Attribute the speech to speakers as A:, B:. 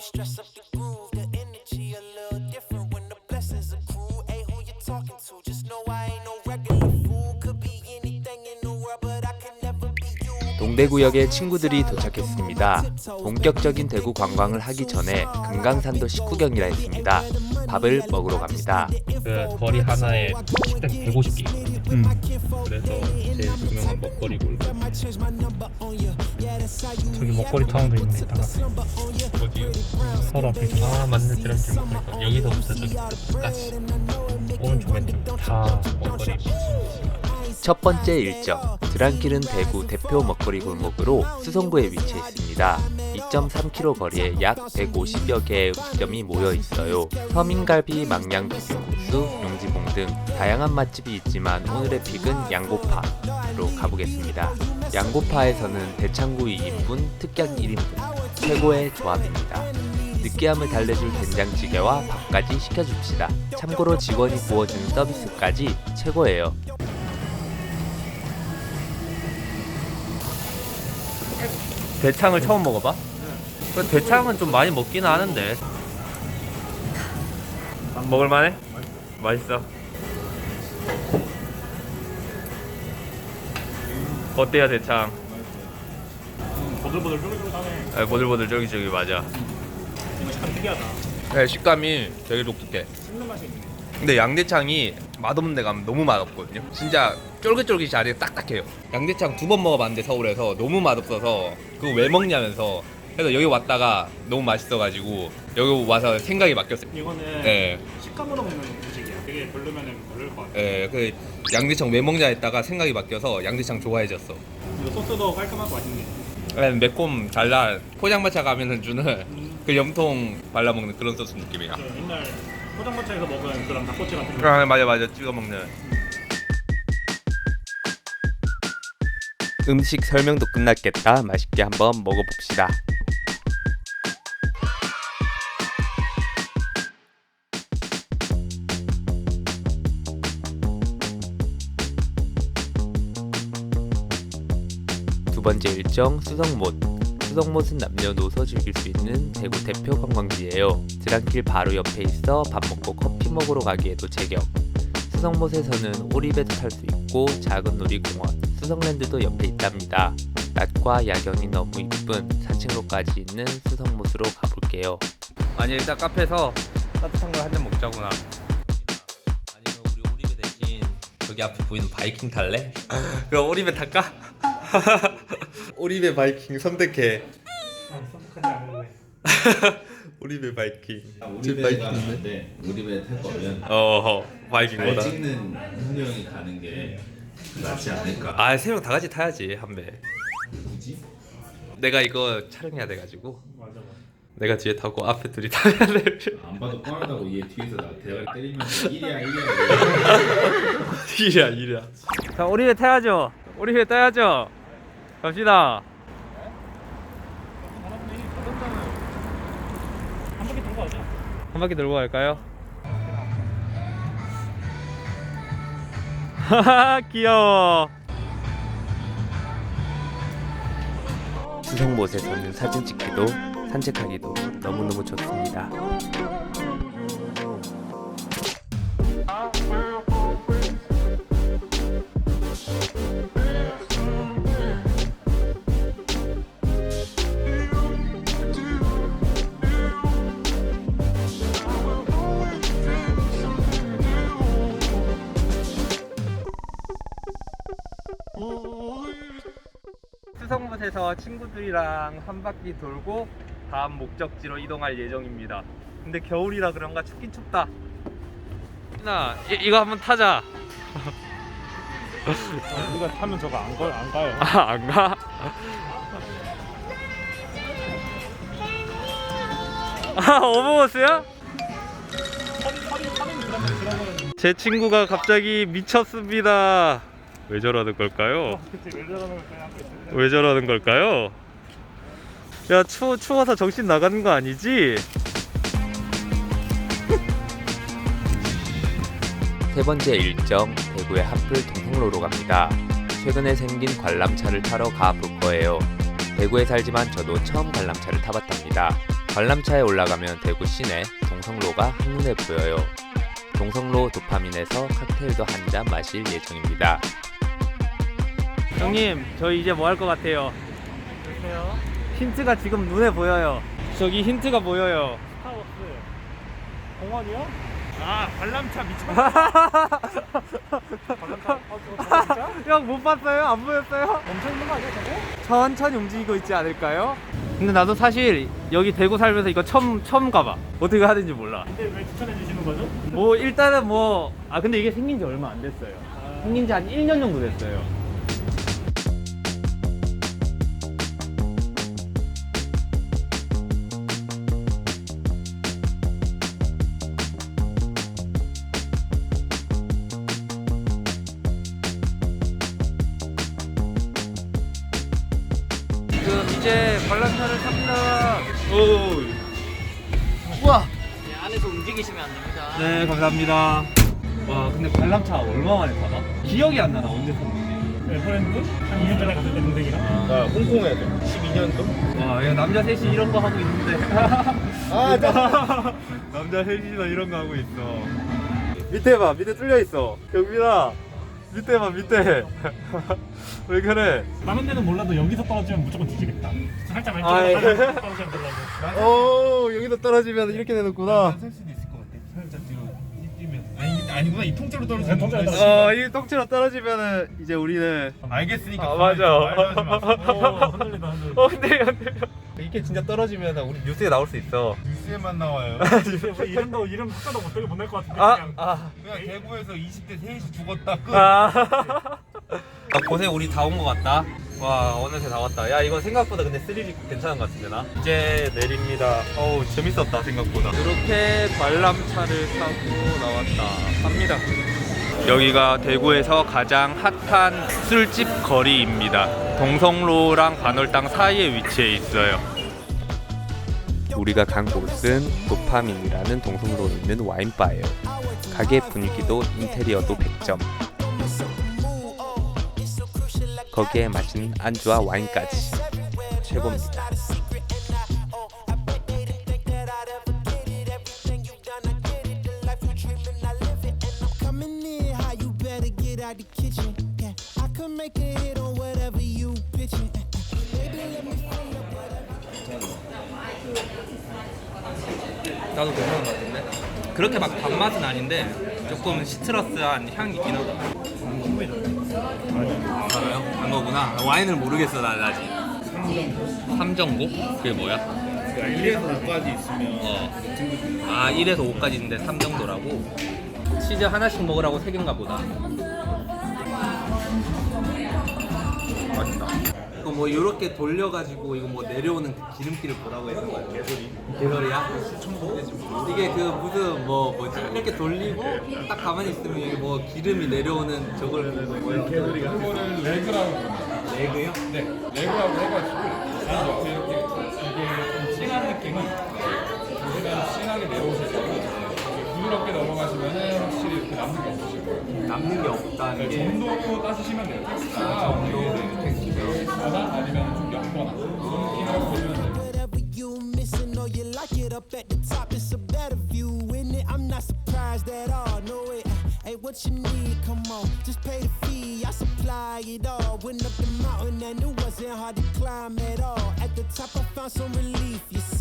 A: 동대구역에 친구들이 도착했습니다. 본격적인 대구 관광을 하기 전에 금강산도 식후경이라 했습니다. 밥을 먹으러 갑니다.
B: 그 거리 하나에 식당이 150개 있거든요. 그래서 제일 유명한 먹거리고
C: 저기 먹거리 타운도 있네. 이따가
B: 어디요?
C: 서로 앞에 있어.
B: 아 맞는 드럼길 먹거리 여기서부터 저기까지 오른쪽엔 다 먹거리 미친
A: 첫 번째 일정, 드랑길은 대구 대표 먹거리 골목으로 수성구에 위치해 있습니다. 2.3km 거리에 약 150여 개의 음식점이 모여 있어요. 서민갈비, 망양 비빔국수, 용지봉 등 다양한 맛집이 있지만 오늘의 픽은 양고파로 가보겠습니다. 양고파에서는 대창구 2인분, 특양 1인분, 최고의 조합입니다. 느끼함을 달래줄 된장찌개와 밥까지 시켜줍시다. 참고로 직원이 구워주는 서비스까지 최고예요.
B: 대창을 처음 먹어봐? 그 대창은 좀 많이 먹기는 하는데 먹을만해? 맛있어. 어때요 대창?
C: 보들보들 쫄깃쫄깃하네.
B: 아, 보들보들 쫄깃쫄깃 맞아.
C: 이거 참 특이하다.
B: 네, 식감이 되게 독특해.
C: 씹는 맛이 있네.
B: 근데 양대창이 맛없는 데 가면 너무 맛없거든요. 진짜 쫄깃쫄깃이 아니라 딱딱해요. 양대창 2번 먹어봤는데 서울에서 너무 맛없어서 그거 왜 먹냐면서 그래서 여기 왔다가 너무 맛있어가지고 여기 와서 생각이 바뀌었어요.
C: 이거는
B: 네,
C: 식감으로 먹는 음식이야. 되게 별로면은 별로일 것 같아.
B: 네, 그 양대창 왜 먹냐 했다가 생각이 바뀌어서 양대창 좋아해졌어.
C: 이거 소스도 깔끔하고 맛있네.
B: 네, 매콤 달달 포장마차 가면은 주는 그 염통 발라먹는 그런 소스 느낌이야.
C: 그 옛날 포장마차에서 먹은 그런 닭꼬치 같은 거.
B: 아, 맞아 찍어 먹는.
A: 음식 설명도 끝났겠다. 맛있게 한번 먹어봅시다. 두 번째 일정 수성못. 수성못은 남녀노소 즐길 수 있는 대구 대표 관광지예요. 드랑길 바로 옆에 있어 밥 먹고 커피 먹으러 가기에도 제격. 수성못에서는 오리배도 탈 수 있고 작은 놀이공원, 수성랜드도 옆에 있답니다. 낮과 야경이 너무 이쁜 산책로까지 있는 수성못으로 가볼게요.
B: 아니 일단 카페에서 따뜻한 걸 한 잔 먹자구나.
A: 아니면 우리 오리배 대신 저기 앞에 보이는 바이킹 탈래?
B: 그럼 오리배 탈까? 오리배 바이킹 선택해.
C: 선택하지 않을래.
B: 오리배 바이킹.
D: 우리배 가는데 우리배 탈 거면
B: 어허
D: 잘
B: 바이킹보다.
D: 찍는 한 명이 가는 게 낫지 않을까?
B: 아 3명 다 같이 타야지 한 배.
D: 굳이?
B: 내가 이거 촬영해야 돼가지고
C: 맞아.
B: 내가 뒤에 타고 앞에 둘이 타야 돼.
D: 안 봐도 뻔하다고 얘 뒤에서 나 대가리 때리면서 이리야
B: 이랴. 자 오리배 타야죠. 오리배 타야죠. 갑시다.
C: 한 바퀴 돌고 가자.
B: 한 바퀴 돌고 갈까요? 하하 귀여워.
A: 수성못에서는 사진 찍기도 산책하기도 너무너무 좋습니다.
B: 수성못에서 친구들이랑 한 바퀴 돌고 다음 목적지로 이동할 예정입니다. 근데 겨울이라 그런가 춥긴 춥다. 나 이거 한번 타자.
C: 우리가 타면 저거 안 가요.
B: 아, 안 가? 아, 어버버스야? 제 친구가 갑자기 미쳤습니다. 왜 저러는 걸까요?
C: 그치, 왜 저러는 걸까요? 하고 있습니다.
B: 왜 저러는 걸까요? 야, 추워서 정신 나가는 거 아니지?
A: 세 번째 일정, 대구의 핫플 동성로로 갑니다. 최근에 생긴 관람차를 타러 가볼 거예요. 대구에 살지만 저도 처음 관람차를 타봤답니다. 관람차에 올라가면 대구 시내 동성로가 한눈에 보여요. 동성로 도파민에서 칵테일도 한 잔 마실 예정입니다.
B: 형님, 저희 이제 뭐 할 것 같아요?
C: 글쎄요.
B: 힌트가 지금 눈에 보여요. 저기 힌트가 보여요.
C: 스타워스. 공원이요? 아, 관람차 미쳤다. 관람차?
B: 형 못 봤어요? 안 보였어요?
C: 엄청 있는 거 아니야, 저거?
B: 천천히 움직이고 있지 않을까요? 근데 나도 사실 여기 대구 살면서 이거 처음 가봐. 어떻게 하는지 몰라.
C: 근데 왜 추천해 주시는 거죠?
B: 뭐 일단은 근데 이게 생긴 지 얼마 안 됐어요. 생긴 지 한 1년 정도 됐어요. 지금 이제 관람차를 탑니다. 우와.
E: 안에서 움직이시면 안 됩니다.
B: 네, 감사합니다. 와, 근데 관람차 얼마 만에 타봐? 기억이 안 나나 언제 탔는지.
C: 에버랜드? 한 2년 전에 갔을 때 동생이랑.
B: 나 홍콩에 12년도? 와, 이거 남자 셋이 이런 거 하고 있는데. 남자 셋이서 이런 거 하고 있어. 밑에 봐, 밑에 뚫려 있어. 경민아, 밑에 봐, 밑에. 왜 그래?
C: 다른 데는 몰라도 여기서 떨어지면 무조건 뒤지겠다. 살짝
B: 아, 예.
C: 왼쪽으로 떨어지면 되려고.
B: 오, 여기서 떨어지면 이렇게 되는구나.
C: 설 수도 있을 것 같아. 살짝 뒤로 뛰면. 아니구나. 이 통째로 떨어지는
B: 어, 이 똥치로 떨어지면은 이제 우리는
C: 알겠으니까.
B: 아, 맞아.
C: 흔들린다, 흔들린다.
B: 근데 이게 진짜 떨어지면 우리 뉴스에 나올 수 있어.
F: 뉴스에만 나와요.
C: 이름 숫자도 못 낼 것 같은데.
F: 그냥 대구에서 20대 셋이 죽었다. 끝.
B: 고생 우리 다 온 것 같다. 와, 어느새 다 왔다. 야, 이거 생각보다 근데 스릴이 괜찮은 것 같은데 나. 이제 내립니다. 어우, 재밌었다 생각보다. 이렇게 관람차를 타고 나왔다. 갑니다. 여기가 대구에서 가장 핫한 술집 거리입니다. 동성로랑 관월당 사이에 위치해 있어요.
A: 우리가 간 곳은 도파민이라는 동성로에 있는 와인바예요. 가게 분위기도 인테리어도 100점. 거기에 맛있는 안주와 와인까지 최고입니다.
B: 나도 괜찮은 것 같은데? 그렇게 막 단맛은 아닌데 조금 시트러스한 향이 있긴 하다. 알아요? 안 거구나. 와인을 모르겠어 난 아직. 삼정고? 그게 뭐야?
F: 1에서 5까지 있으면
B: 아, 1에서 5까지 있는데 3 정도라고? 치즈 하나씩 먹으라고 3개인가 보다. 맛있다. 이거 뭐 이렇게 돌려가지고 이거 뭐 내려오는 그 기름기를 뭐라고 했던 거야? 개소리야? 이게 그 무슨 뭐지? 이렇게 돌리고 딱 가만히 있으면 여기 뭐 기름이 내려오는 저걸 뭐야? 개소리가?
F: 그거를 레그라고 합니다.
B: 레그요?
F: 네, 레그라고 해가지고 이게 좀 진한 느낌이 최대한 진하게 내려오실 거고 부드럽게 넘어가시면은 확실히 이렇게 남는 게 없으실 거예요.
B: 남는 게 없다는 게
F: 정도로 따지시면 돼요. 텍스처가 어느 정도 텍스처나 아니면 좀 옅거나 그런 느낌이라고 보시면 돼요.
G: Whatever you missing or you like it up at the top, it's a better view in it. I'm not surprised at all. No, it ain't what you need. Come on, just pay the fee. I supply it all. Went up the mountain and it wasn't hard to climb at all. At the top, I found some relief. You